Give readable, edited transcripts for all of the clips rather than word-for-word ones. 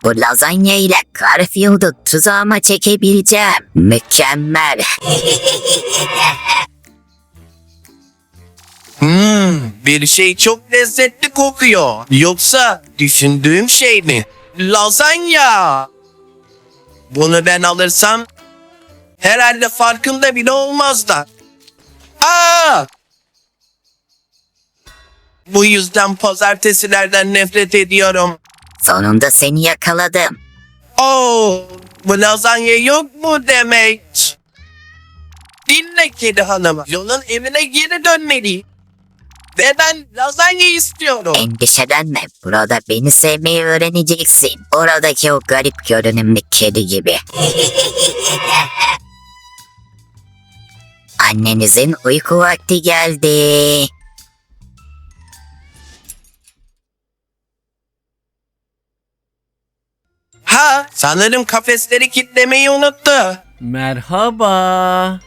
Bu lazanya ile Garfield'u tuzağıma çekebileceğim. Mükemmel. Bir şey çok lezzetli kokuyor. Yoksa düşündüğüm şey mi? Lazanya. Bunu ben alırsam herhalde farkında bile olmazlar. Aa! Bu yüzden pazartesilerden nefret ediyorum. Sonunda seni yakaladım. Oo, bu lazanya yok mu demek? Dinle kedi hanım. Yolun evine geri dönmeliyim. Ve ben lazanya istiyorum. Endişelenme. Burada beni sevmeyi öğreneceksin. Oradaki o garip görünümlü kedi gibi. Annenizin uyku vakti geldi. Ha, sanırım kafesleri kilitlemeyi unuttu. Merhaba.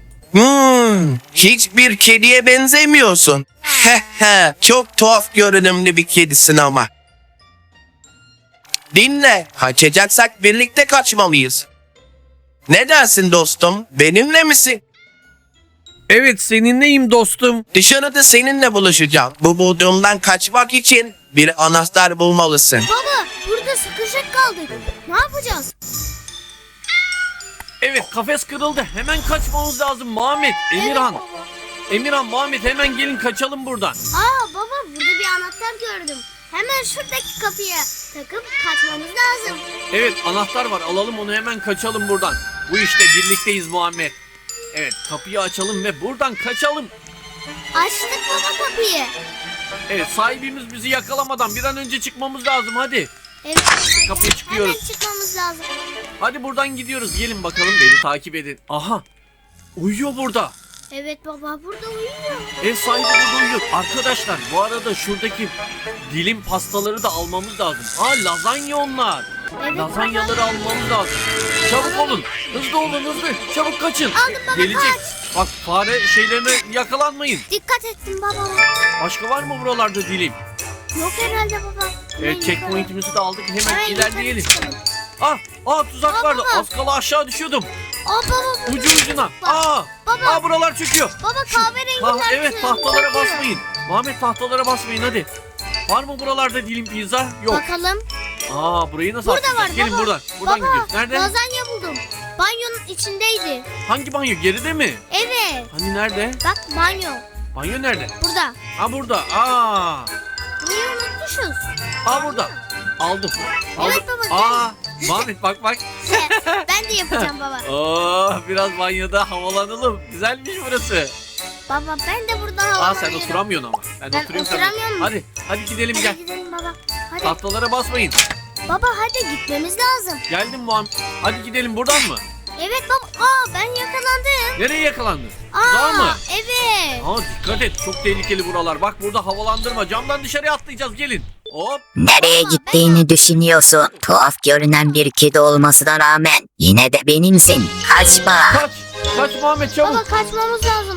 Hiçbir kediye benzemiyorsun. Çok tuhaf görünümlü bir kedisin ama. Dinle, kaçacaksak birlikte kaçmalıyız. Ne dersin dostum, benimle misin? Evet, seninleyim dostum. Dışarıda seninle buluşacağım. Bu bulduğumdan kaçmak için bir anahtar bulmalısın. Baba burada sıkışık kaldık. Ne yapacağız? Evet, kafes kırıldı. Hemen kaçmamız lazım Muhammed, Emirhan. Emirhan, Muhammed hemen gelin kaçalım buradan. Baba burada bir anahtar gördüm. Hemen şuradaki kapıya takıp kaçmamız lazım. Evet, anahtar var. Alalım onu, hemen kaçalım buradan. Bu işte birlikteyiz Muhammed. Evet, kapıyı açalım ve buradan kaçalım. Açtık baba kapıyı. Evet, sahibimiz bizi yakalamadan bir an önce çıkmamız lazım. Hadi. Evet. Kapıya çıkıyoruz. Hemen çıkmamız lazım. Hadi buradan gidiyoruz. Gelin bakalım, beni takip edin. Aha. Uyuyor burada. Evet baba burada uyuyor. Ev sahibi burada uyuyor. Arkadaşlar, bu arada şuradaki dilim pastaları da almamız lazım. Lazanya onlar. Evet, Lazanyaları almamız lazım. Çabuk olun. Hızlı olun, hızlı. Çabuk kaçın. Aldım baba, Gelecek. kaç. Bak, fare şeylerine yakalanmayın. Dikkat etsin baba. Başka var mı buralarda dilim? Yok herhalde baba. Evet, checkpoint'imizi de aldık. Hemen Hemen ilerleyelim. yukarı çıkalım. Tuzak vardı. baba. Az kala aşağı düşüyordum. Baba. Ucu ucuna. Baba. Buralar çöküyor. Baba kahverengiler. Evet, tahtalara basmayın. Muhammed, tahtalara basmayın hadi. Var mı buralarda dilim pizza? Yok. Bakalım. Burayı nasıl Burada atlayacağız? var Gelin baba. buradan. Buradan Baba, gidiyoruz. Nerede? lazanya buldum. Banyonun içindeydi. Hangi banyo? Geride mi? Evet. Hani nerede? Bak banyo. Banyo nerede? Burada. Burada. Burayı unutmuşuz. Burada. Aldım. Evet baba, Muhammed bak. Ben de yapacağım baba. Biraz banyoda havalanalım. Güzelmiş burası. Baba ben de burada havalanıyorum. Sen oturamıyorsun ama. Ben oturuyorum sana. oturamıyorum. Hadi gidelim, Hadi gel. gidelim baba. Hadi. Tahtalara basmayın. Baba hadi gitmemiz lazım. Geldim Muhammed. Hadi gidelim, buradan mı? Evet baba. Ben yakalandım. Nereye yakalandın? Tuzağa mı? Evet. Dikkat et, çok tehlikeli buralar. Bak, burada havalandırma. Camdan dışarıya atlayacağız, gelin. Hop. Nereye Baba, gittiğini düşünüyorsun. Tuhaf görünen bir kedi olmasına rağmen yine de benimsin. Kaçma. Kaç Muhammed, çabuk. Baba kaçmamız lazım.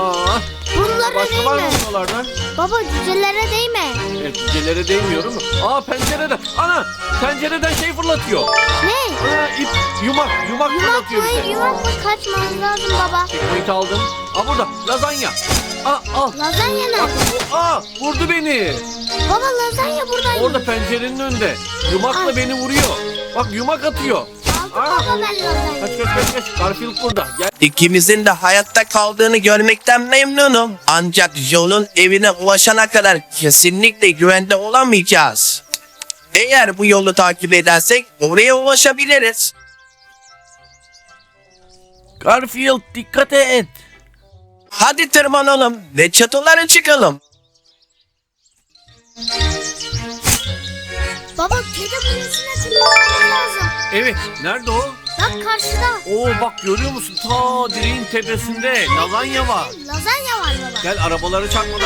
Bunlara Başka var mı değme. buralardan? Baba cücelere değme. Evet, cücelere değmiyorum. Pencereden. Pencereden şey fırlatıyor. Ne? İp, yumak fırlatıyor bize. Yumak mı kaçmamız lazım baba. Checkpoint aldım. Burada lazanya. Al. Lazanya ne? Vurdu beni. Baba lazanya buradaymış. Orada pencerenin önünde. Yumakla beni vuruyor. Bak, yumak atıyor. Aldım baba ben lazanyayı. Kaç. Garfield burada. Gel. İkimizin de hayatta kaldığını görmekten memnunum. Ancak yolun evine ulaşana kadar kesinlikle güvende olamayacağız. Eğer bu yolu takip edersek oraya ulaşabiliriz. Garfield, dikkat et. Hadi tırmanalım ve çatılara çıkalım. Baba kedi kulesine tırmanmamız lazım. Evet, nerede o? Bak karşıda. Bak, görüyor musun? Ta direğin tepesinde lazanya var. Lazanya var baba. Gel, arabaları çarpmadan.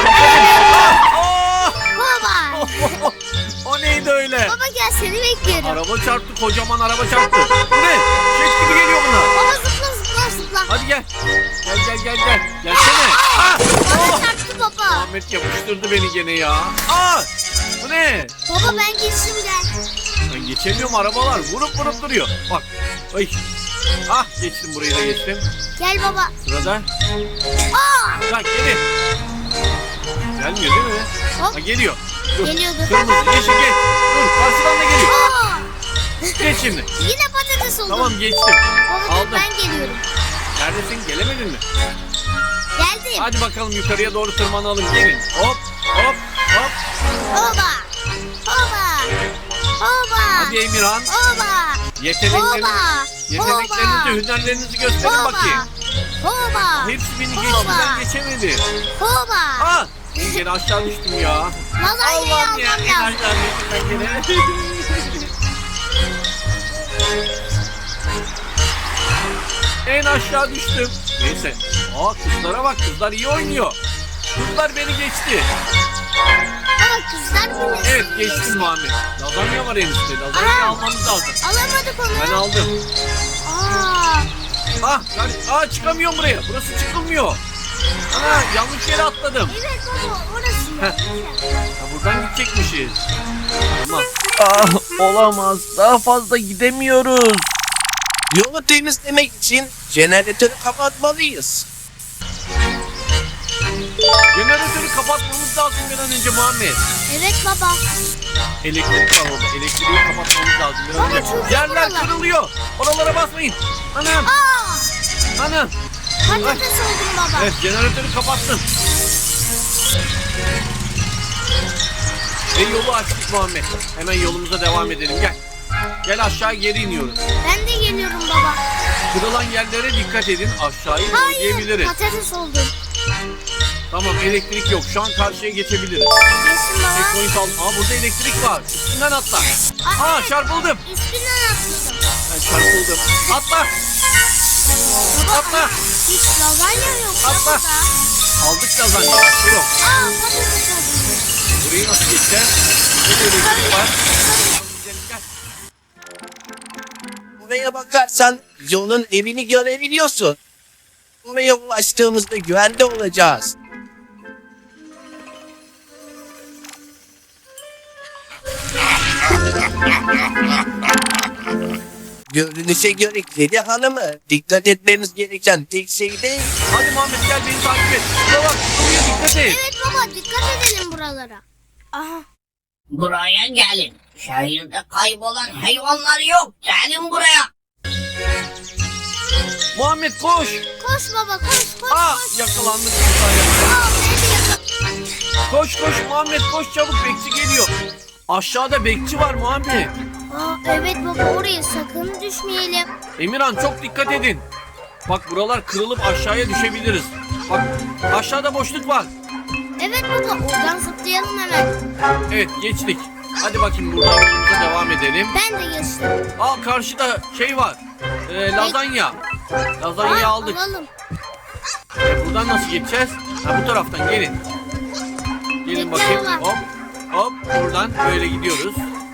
Baba. O neydi öyle? Baba gel seni bekliyorum. Araba çarptı, kocaman araba çarptı. Bu ne? Jet gibi geliyor bunlar. Baba zıpla. Hadi gel. Gel. Gelsene. Bana çarptı baba. Ahmet yapıştırdı beni gene ya. Bu ne? Baba ben geçtim gel. Ben geçemiyorum, arabalar vurup vurup duruyor. Bak. Ay. Ah, geçtim, burayı da geçtim. Gel baba. Sırada. Aa! Lan geri. Gelmiyor değil mi? Hop. Ha, geliyor. Dur. Geliyordu. Kırmızı, yeşil geç. Dur, karşıdan da geliyor. Aa! Geç şimdi. Yine patates oldum. Tamam, geçtim. Baba dur, Aldım. ben geliyorum. Neredesin? Gelemedin mi? Geldim. Hadi bakalım yukarıya doğru tırmanalım. Gelin. Hop, hop, hop. Oba. Oba. Oba. Hadi Emirhan. Oba. Yeteneklerinizi, Oba. hünerlerinizi gösterin Oba. bakayım. Oba. Hepsi beni geçti, Oba. ben geçemedi. Oba. Ah! Gene aşağı düştüm ya. Lazanyayı Allah'ım ya. almam En lazım. aşağı düştüm ben gene. En aşağı düştüm. Neyse. Aa, kızlara bak, kızlar iyi oynuyor. Kızlar beni geçti. Aa, kızlar bile. Evet, geçtim Muhammed. Lazanya var enişte. Lazanyayı Aa. almamız lazım. Alamadık onu. Ben aldım. Aa. Çıkamıyorum buraya. Burası çıkılmıyor. Ana, yanlış yere atladım. Evet baba orası. Ha, buradan gidecekmişiz. Tamam. Ah, olamaz. Daha fazla gidemiyoruz. Yolu temizlemek için jeneratörü kapatmalıyız. Jeneratörü kapatmamız lazım bir an önce Muhammed. Evet baba. Elektrik var orada. Elektriği kapatmamız lazım bir an Baba, önce. çok Yerler buralar. kırılıyor. Oralara basmayın. Anam. Aa. Anam. Patates oldum baba. Evet, jeneratörü kapattım. Ve yolu açtık Muhammed. Hemen yolumuza devam edelim. Gel. Gel, aşağı geri iniyoruz. Ben de geliyorum baba. Kırılan yerlere dikkat edin. Aşağıyı Hayır boyayabiliriz. patates oldum. Tamam, elektrik yok. Şu an karşıya geçebiliriz. Geçtim baba. Checkpoint aldım. Aa, burada elektrik var. Üstünden atla. Aa, evet. çarpıldım. İspinden atladım. Ben çarpıldım. Atla. Baba Atla. hiç lazanya yok ya Atla. burada. Aldık lazanya. Dur. Aa patates oldum. Burayı nasıl geçeceğiz? Burada elektrik var. Gel. Buraya bakarsan yolun evini görebiliyorsun. Buraya ulaştığımızda güvende olacağız. Görünüşe göre Kedi Hanım'ı dikkat etmemiz gereken tek şey değil. Hadi Muhammed, gel beni takip et. Şuna bak. Buraya dikkat et. Evet baba dikkat edelim buralara. Aha. Buraya gelin. Şehirde kaybolan hayvanlar yok. Gelin buraya. Muhammed koş. Koş baba koş koş. Aa, koş. yakalandık. bir saniye. Aa beni de yakala. Koş Muhammed, koş çabuk, bekçi geliyor. Aşağıda bekçi var Muhammed. Aa evet baba oraya sakın düşmeyelim. Emirhan, çok dikkat edin. Bak, buralar kırılıp aşağıya düşebiliriz. Bak, aşağıda boşluk var. Evet baba oradan zıplayalım hemen. Evet, geçtik. Hadi bakayım, buradan yolumuza devam edelim. Ben de geçtim. Al, karşıda şey var. Lazanya. Lazanyayı Aa, aldık. alalım. Buradan nasıl geçeceğiz? Ha, bu taraftan gelin. Gelin Bekle bakayım. ulan. Hop. Hop, buradan böyle gidiyoruz.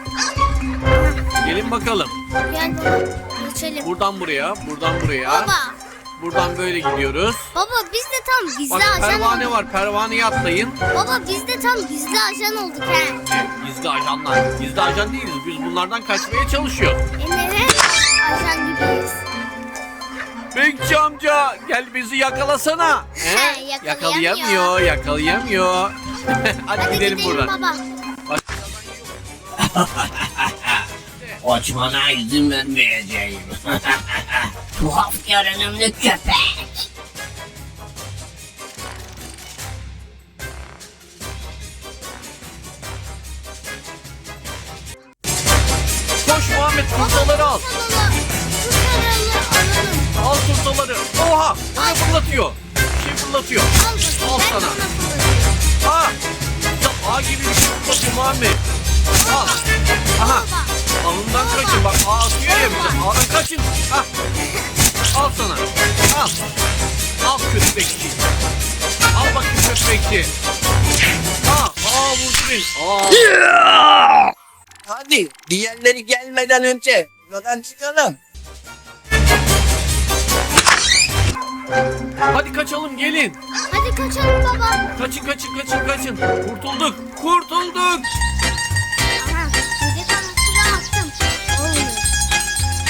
Gelin bakalım. Gel baba geçelim. Buradan buraya, buradan buraya. Baba. Buradan böyle gidiyoruz. Baba biz de tam gizli Bak, ajan pervane olduk. var. Pervaneye atlayın. Baba biz de tam gizli ajan olduk he. Evet, gizli ajanlar. Gizli ajan değiliz. Biz bunlardan kaçmaya çalışıyoruz. Evet ajan gibiyiz. Bekçi amca, gel bizi yakalasana. Yakalayamıyor. Yakalayamıyor. Hadi gidelim buradan. baba. Kaçmana izin vermeyeceğim. Tuhaf görünümlü köpek. Koş Muhammed, turtaları al. Turtaları alalım. Al turtaları. Oha, bana fırlatıyor. Bir şey fırlatıyor. Al bakayım. Al Ben sana. sana fırlatıyorum. Aa, ya ağ gibi bir şey fırlatıyor Muhammed. Al. Aha. Alından kaçın, bak ağ atıyor ya bize. Ağdan kaçın. Ah. Al sana. Al. Al kötü bekçi. Al bakayım kötü bekçi. Vurdu beni. Hadi diğerleri gelmeden önce buradan çıkalım. Hadi kaçalım, gelin. Hadi kaçalım baba. Kaçın. Kurtulduk. Aha. Kedi kanatları attı.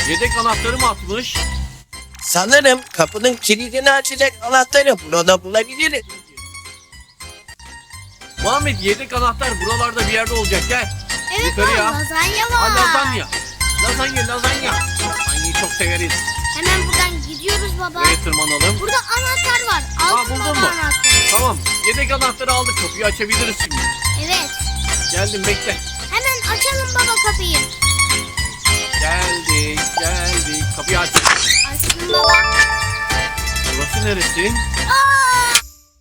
Yedek anahtarı mı atmış? Sanırım kapının kilidini açacak anahtarı burada bulabiliriz. Muhammed yedek anahtar buralarda bir yerde olacak gel. Evet Yukarı baba ya. lazanya Ha, var. lazanya. Lazanyayı çok severiz. Hemen buradan gidiyoruz baba. Buraya tırmanalım. Burada anahtar var. Aa, Altın buldun baba mu? anahtarı. Tamam. Yedek anahtarı aldık. Kapıyı açabiliriz şimdi. Evet. Geldim bekle. Hemen açalım baba kapıyı. Geldik. Kapıyı aç. Açtım baba. Burası neresi? Aa!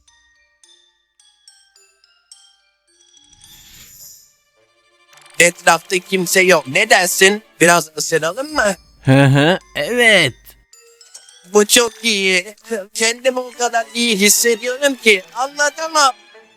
Etrafta kimse yok. Ne dersin? Biraz ısıralım mı? Evet. Bu çok iyi. Kendimi o kadar iyi hissediyorum ki anlatamam.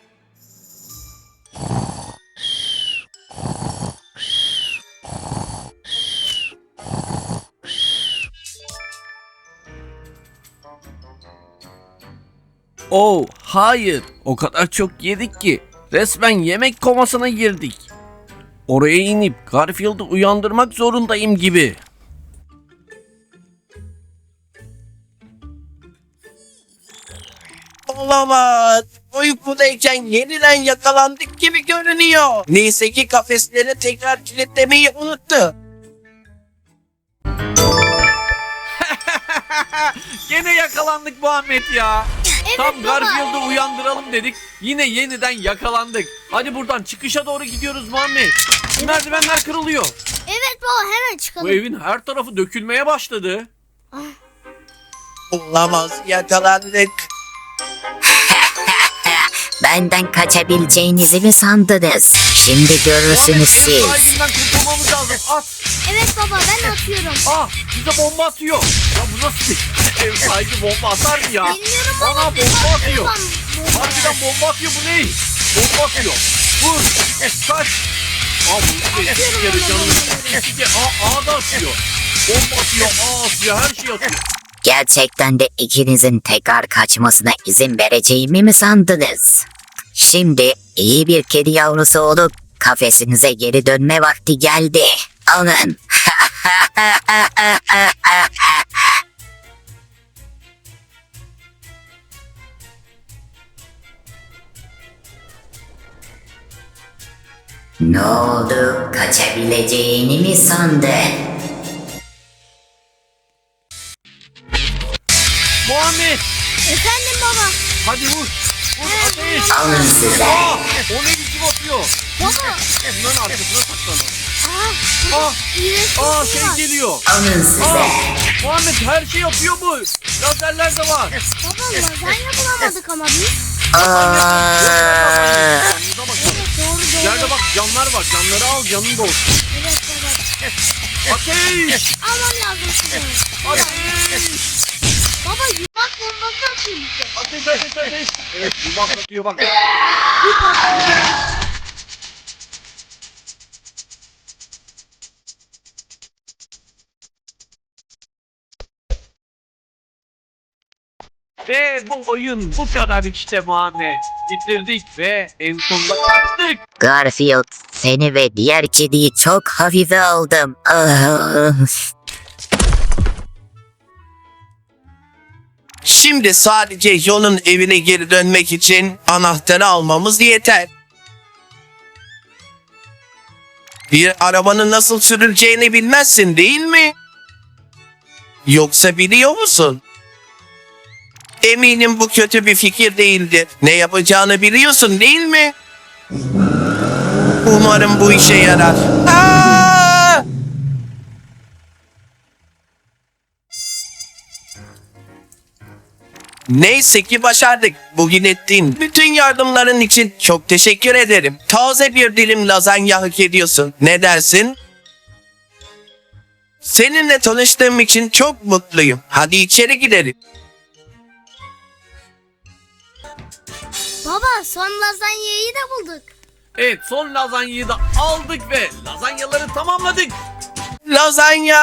Oh, hayır. O kadar çok yedik ki resmen yemek komasına girdik. Oraya inip Garfield'ı uyandırmak zorundayım gibi. Olamaz. Uykudayken yeniden yakalandık gibi görünüyor. Neyse ki kafesleri tekrar kilitlemeyi unuttu. Gene yakalandık Muhammed ya. Evet Tam baba. Garfield'ı uyandıralım dedik. Yine yeniden yakalandık. Hadi buradan çıkışa doğru gidiyoruz Muhammed. Merdivenler kırılıyor. Evet baba hemen Bu çıkalım. evin her tarafı dökülmeye başladı. Olamaz. Yakalandık. Benden kaçabileceğinizi mi sandınız? Şimdi görürsünüz Muhammed, ev siz. sahibinden kurtulmamız lazım. At. Evet baba ben atıyorum. Ah, bize bomba atıyor. Ya bu nasıl bir ev sahibi bomba atar mı ya? Bilmiyorum Bana ama bomba atıyor. Babam, Harbiden bomba atıyor, bu ne? Bomba atıyor. Vur. Kaç. Aa bu bir kere canım. Aa da atıyor. Bomba atıyor, atıyor, her şey atıyor. Gerçekten de ikinizin tekrar kaçmasına izin vereceğimi mi sandınız? Şimdi iyi bir kedi yavrusu olup kafesinize geri dönme vakti geldi. Alın. Ne oldu? Kaçabileceğini mi sandın? Muhammed, Efendim baba. hadi vur. Vur ateş. Alın size. Aa, o ne biçim atıyor? Baba. Bunların arkasına saklanın. Aa, Aa, iğrenç aa bir şey şey var. geliyor. Alın size. Aa, Muhammed her şey yapıyor bu. Lazerler de var. Baba lazanya bulamadık ama biz. Aa, Yanınıza bakın. Evet doğru. İleride bak camlar var. Camları al, canın da olsun. Evet baba. Ateş! Almam lazım sizi. Ateş! Baba yumak bombası atıyor bize. Ateş! Evet, yumak atıyor bak. Ve bu oyun bu kadar işte Muhammed. Bitirdik ve en sonunda kaçtık. Garfield, seni ve diğer kediyi çok hafife aldım. Ah. Şimdi sadece yolun evine geri dönmek için anahtarı almamız yeter. Bir arabanın nasıl sürüleceğini bilmezsin değil mi? Yoksa biliyor musun? Eminim bu kötü bir fikir değildir. Ne yapacağını biliyorsun değil mi? Umarım bu işe yarar. Aa! Neyse ki başardık. Bugün ettiğin bütün yardımların için çok teşekkür ederim. Taze bir dilim lazanya hak ediyorsun. Ne dersin? Seninle tanıştığım için çok mutluyum. Hadi içeri gidelim. Baba son lazanyayı da bulduk. Evet, son lazanyayı da aldık ve lazanyaları tamamladık. Lazanya!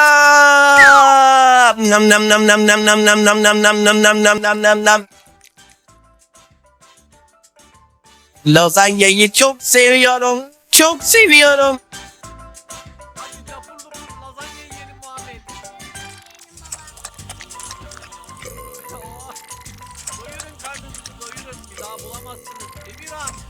Nam nam nam nam nam nam nam nam nam nam nam nam nam nam nam nam. Lazanyayı çok seviyorum. Çok seviyorum. Hadi lapur lapur lazanya yiyelim Muhammed. bulamazsınız. Emirhan.